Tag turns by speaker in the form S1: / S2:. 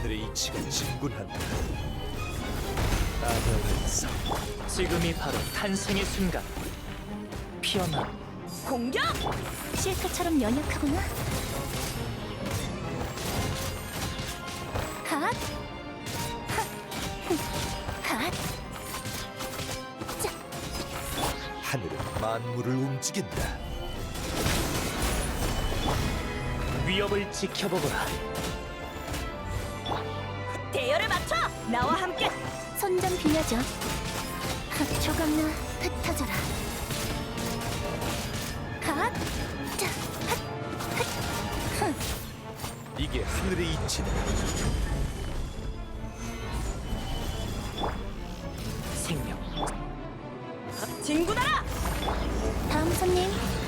S1: 하늘의 이치가 진군한다. 아벨에서
S2: 지금이 바로 탄생의 순간. 피어나.
S3: 공격!
S4: 실크처럼 연약하구나. 핫! 핫! 자,
S1: 하늘은 만물을 움직인다.
S2: 위협을 지켜보거라.
S3: 대열을 맞춰! 나와 함께!
S4: 손 좀 빌려줘. 조각나 흩어져라. 핫! 자, 핫!
S1: 이게 하늘의 이치다.
S2: 생명.
S3: 진군하라!
S4: 다음 손님